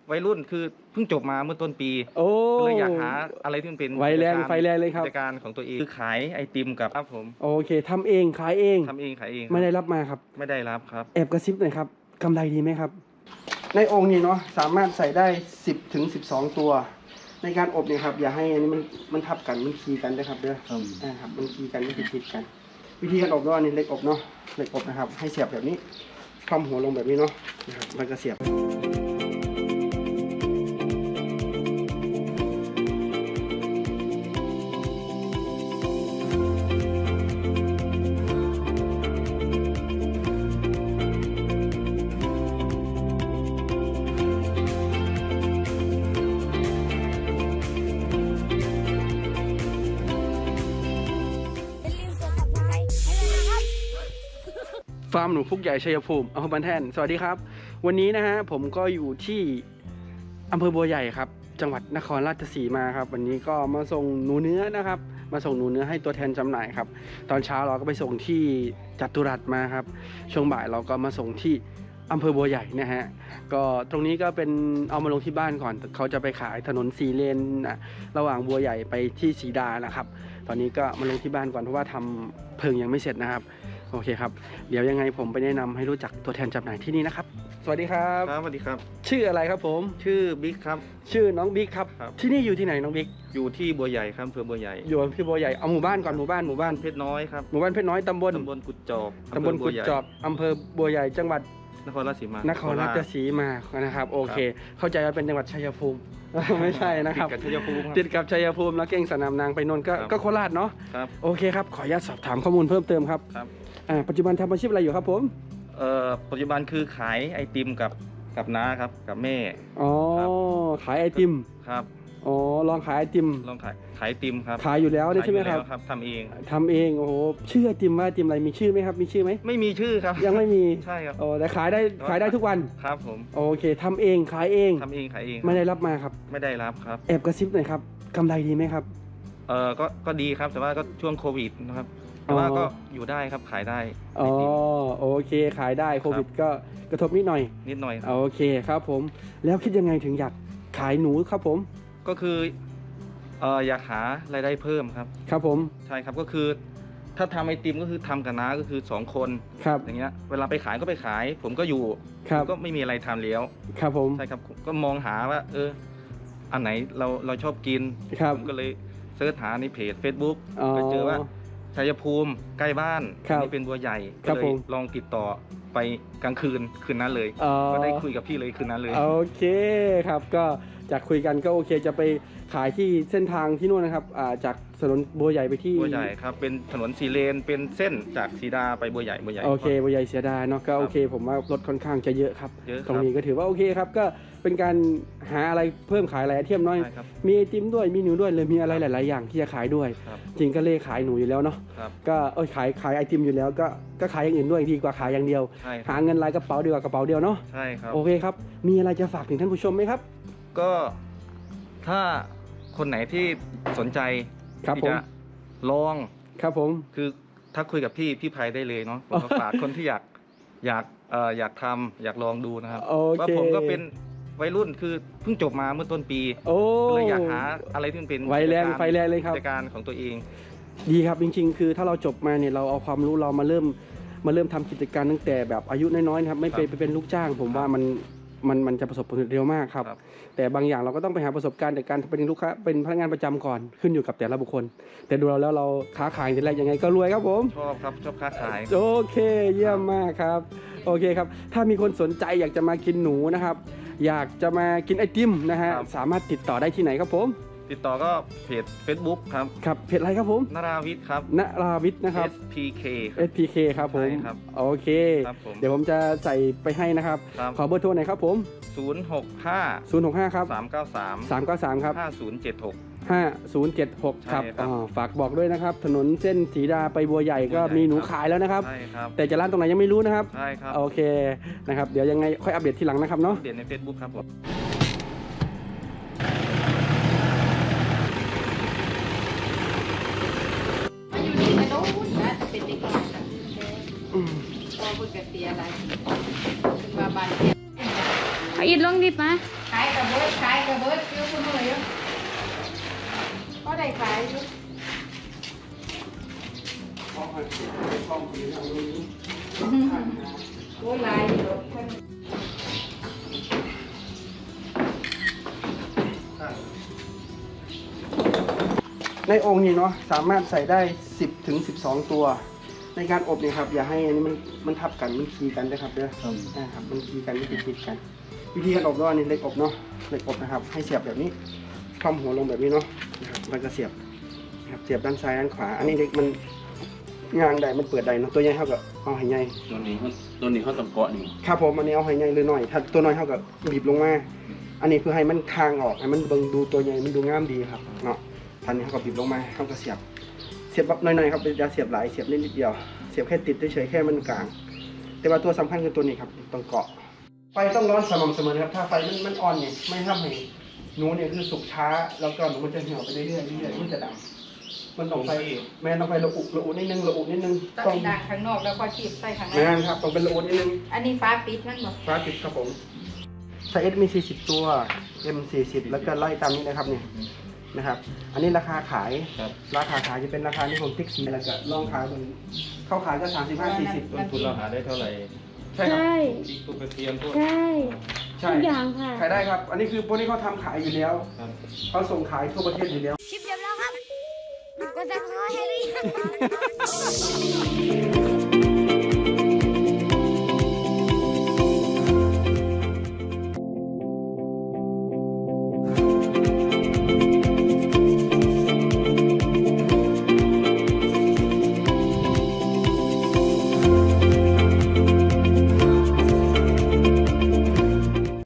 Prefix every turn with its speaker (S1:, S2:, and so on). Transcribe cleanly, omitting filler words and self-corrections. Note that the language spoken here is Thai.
S1: วัยรุ่นคือเพิ่งจบมาเมื่อต้นปีก็เลยอยากหาอะไรที่มันเป็น
S2: ไฟแรงเลยครับ
S1: กิจการของตัวเองคือขายไอติมกับครับผม
S2: โอเคทำเองขายเอง
S1: ขายเอง
S2: ไม่ได้รับมาครับ
S1: ไม่ได้รับครับ
S2: แอบกระซิบหน่อยครับกำไรดีไหมครับในองค์นี้เนาะสามารถใส่ได้10 ถึง 12 ตัวในการอบเนี่ยครับอย่าให้อันนี้มันทับกันมันคีกันนะครับเด้อครับมันคีกันไม่ติดกันวิธีการอบเนาะอันนี้เหล็กอบเนาะเหล็กอบนะครับให้เสียบแบบนี้คว่ำหัวลงแบบนี้เนาะนะครับมันก็เสียบฟาร์มหนูพุกใหญ่ชัยภูมิอำเภอบ้านแท่นสวัสดีครับวันนี้นะฮะผมก็อยู่ที่อำเภอบัวใหญ่ครับจังหวัดนครราชสีมาครับวันนี้ก็มาส่งหนูเนื้อนะครับมาส่งหนูเนื้อให้ตัวแทนจำหน่ายครับตอนเช้าเราก็ไปส่งที่จัตุรัสมาครับช่วงบ่ายเราก็มาส่งที่อำเภอบัวใหญ่นะฮะก็ตรงนี้ก็เป็นเอามาลงที่บ้านก่อนเขาจะไปขายถนน4 เลนนะระหว่างบัวใหญ่ไปที่ศรีดานะครับตอนนี้ก็มาลงที่บ้านก่อนเพราะว่าทำเพิงยังไม่เสร็จนะครับโอเคครับเดี๋ยวยังไงผมไปแนะนำให้รู้จักตัวแทนจำหน่ายที่นี่นะครับสวัสดีครับ
S1: ครับสวัสดีครับ
S2: ชื่ออะไรครับผม
S1: ชื่อบิ๊กครับ
S2: ชื่อน้องบิ๊กครับที่นี่อยู่ที่ไหนน้องบิ๊ก
S1: อยู่ที่บัวใหญ่ครับอำเภอบัวใหญ่
S2: อยู่ที่บัวใหญ่เอาหมู่บ้านก่อนหมู่บ้าน
S1: เพชรน้อยครับ
S2: หมู่บ้านเพชรน้อยตำบล
S1: กุดจอบ
S2: อำเภอบัวใหญ่จังหวัด
S1: นครราชสีมาน
S2: ครราชสีมานะครับโอเคเข้าใจว่าเป็นจังหวัดชัยภูมิไม่ใช่นะครับ
S1: ติดกับชัยภูมิ
S2: ติดกับชัยภูมิแล้วเก่งสนามนางไปนนท์ก็โคราชเนาะโอเคครับขออนุญาตสอบถามข้อมูลเพิ่มเติมครับปัจจุบันทำอาชีพอะไรอยู่ครับผม
S1: ปัจจุบันคือขายไอติมกับน้าครับกับแม่
S2: อ๋อขายไอติม
S1: ครับ
S2: อ๋อลองขายไอติม
S1: ลองขายไอติมครับ
S2: ขายอยู่แล้วใช่ไหมครับ
S1: ทำเ
S2: องโอ้โหชื่อไอติมว่าไอติมอะไรมีชื่อไหมครับมีชื่อไหม
S1: ไม่มีชื่อครับ
S2: ยังไม่มี
S1: ใช่ครับ
S2: โอ้แต่ขายได้ทุกวัน
S1: ครับผม
S2: โอเคทำเองขายเองไม่ได้รับมาครับ
S1: ไม่ได้รับครับ
S2: แอบกระซิบหน่อยครับกำไรดีไหมครับ
S1: ก็ดีครับแต่ว่าก็ช่วงโควิดนะครับแต่ว่าก็อยู่ได้ครับขายได้
S2: อ๋อโอเคขายได้โควิดก็กระทบนิดหน่อยโอเคครับผมแล้วคิดยังไงถึงอยากขายหนูครับผม
S1: ก็คืออยากหารายได้เพิ่มครับ
S2: ครับผม
S1: ใช่ครับก็คือถ้าทำไอติมก็คือทำกับน้าก็คือ2 คน
S2: ครับ
S1: อย่างเงี้ยเวลาไปขายก็ไปขายผมก็อยู่ก็ไม่มีอะไรทำแล้ว
S2: ครับผม
S1: ใช่ครับก็มองหาว่าอันไหนเราชอบกินผมก็เลยเสิร์ชหาในเพจ Facebook ก็เจอว่าชัยภูมิใกล้บ้านนี่เป็นบัวใหญ่ก็เลยลองติดต่อไปกลางคืนนั้นเลยก็ได้คุยกับพี่เลยคืนนั้นเลย
S2: โอเคครับก็จากคุยกันก็โอเคจะไปขายที่เส้นทางที่นู่นนะครับจากถนนบัวใหญ่ไปที่
S1: บัวใหญ่ครับเป็นถนน4 เลนเป็นเส้นจากศรีดาไปบัวใหญ่
S2: โอเคบัวใหญ่ศรีดาเนาะก็โอเคผมว่ารถค่อนข้างจะเยอะครับตรงนี้ก็ถือว่าโอเคครับก็เป็นการหาอะไรเพิ่มขายอะไรเทียมน้อยมีไอติมด้วยมีหนูด้วยเลยมีอะไรหลายๆอย่างที่จะขายด้วยจริงก็เล่ขายหนูอยู่แล้วเนาะก็ขายไอติมอยู่แล้วก็ขายอย่างอื่นด้วยดีกว่าขายอย่างเดียวหาเงินรายกระเป๋าดีกว่ากระเป๋าเดียวเนาะ
S1: ใช่ครับ
S2: โอเคครับมีอะไรจะฝากถึงท่านผู้ชมไหมครับ
S1: ก็ถ้าคนไหนที่สนใจที่จะลอง
S2: ครับผม
S1: คือถ้าคุยกับพี่ไพได้เลยเนาะผมก็ฝากคนที่อยากทำอยากลองดูนะครับว่าผมก็เป็นวัยรุ่นคือเพิ่งจบมาเมื่อต้นปีก็เลยอยากหาอะไรที่เป็น
S2: ไฟแรงเลยครับ
S1: กิจการของตัวเอง
S2: ดีครับจริงๆคือถ้าเราจบมาเนี่ยเราเอาความรู้เรามาเริ่มทำกิจการตั้งแต่แบบอายุน้อยๆนะครับไม่ไปเป็นลูกจ้างผมว่ามันจะประสบผลเร็วมากครับแต่บางอย่างเราก็ต้องไปหาประสบการณ์จากการเป็นลูกค้าเป็นพนักงานประจำก่อนขึ้นอยู่กับแต่ละบุคคลแต่ดูเราค้าขายทีแรกยังไงก็รวยครับผม
S1: ชอบค้าขาย
S2: โอเคเยี่ยมมากครับโอเคครับถ้ามีคนสนใจอยากจะมากินหนูนะครับอยากจะมากินไอติมนะฮะสามารถติดต่อได้ที่ไหนครับผม
S1: ติดต่อก็เพจ Facebook
S2: ครับเพจอะไรครับผม
S1: นราวิทย์ครับ
S2: นราวิทย์นะครับ SPK ครับผมโอเคเดี๋ยวผมจะใส่ไปให้นะครับขอเบอร์โทรหน่อยครับผม
S1: 065
S2: ครับ393ครับ5076ครับฝากบอกด้วยนะครับถนนเส้นศรีดาไปบัวใหญ่ก็มีหนูขายแล้วนะครับแต่จะร้านตรงไหนยังไม่รู้นะครับ
S1: ใช่ครับ
S2: โอเคนะครับเดี๋ยวยังไงค่อยอัปเดตทีหลังนะครับเนาะ
S1: อัปเดตใน Facebook ครับผม
S3: อิดลงลิปมา
S4: ขายกระเบิดเยอะคุณเลยก็ได้ขายอยู่ โอ้ยลายเยอะ
S2: ในองค์นี้เนาะสามารถใส่ได้10 ถึง 12 ตัว ในการอบเนี่ยครับอย่าให้อันนี้มันทับกันมันคีกันนะครับเด้อนะครับมันคีกันไม่ติดกัน วิธีการอบด้วยอันนี้เหล็กอบเนาะเหล็กอบนะครับให้เสียบแบบนี้คว่ำหัวลงแบบนี้เนาะนะครับมันก็เสียบนะครับเสียบด้านซ้ายด้านขวา อันนี้เหล็กมันงางใดมันเปิดใดเนาะตัวใหญ่เท่ากับเอาให้ใหญ่
S1: ตัวนี้เขาต้องเกาะนี่
S2: ครับผมอันนี้เอาให้ใหญ่เลยหน่อยถ้าตัวน้อยเท่ากับบีบลงมาอันนี้เพื่อให้มันคางออกให้มันเบิ่งดูตัวใหญ่มันดูงามดีครับเนาะทันนี้เขาก็บีบลงมาเขาก็เสียบแบบน้อยๆครับอย่าเสียบหลายเสียบนิดเดียวเสียบแค่ติดเฉยๆแค่มันกลาง แต่ว่าตัวสำคัญคือตัวนี้ครับต้องเกาะไฟต้องร้อนสม่ำเสมอนะครับถ้าไฟมันอ่อนเนี่ยไม่ทำให้หนูเนี่ยคือสุกช้าแล้วก็หนูมันจะเหี่ยวไปเรื่อยๆมันจะดำมันต้องไฟแม่ต้องไฟระอุนิดนึง
S4: ต้องดังข้างนอกแล้วก็ขีบใส่ข้างใน
S2: แม่ครับต้องเป็นระอุนิดนึง
S4: อันนี้ฟ้าปิดนั่นหรอ
S2: ฟ้าปิดครับผมไซส์ S มี40ตัว M 40แล้วก็ไล่ตามนี้นะครับเนี่ยนะครับอันนี้ราคาขายจะเป็นราคาที่ผมติ๊กสีแล้วก็ลองขายคนเข้าขายก็35-40
S1: ต้นทุนเราหาได้เท่าไหร่
S2: ใช่ครับ
S3: ใช่
S1: อีกตัวกระเทียมพวก
S3: ใช่
S2: ใช่
S3: ทุกอย่างค่ะ
S2: ขายได้ครับ อันนี้คือพวกนี้เขาทำขายอยู่แล้ว
S1: ครับ
S2: เขาส่งขายทั่วประเทศอยู่แล้ว
S3: คลิปจบแล้วครับกดซับสไครต์ให้หรือยัง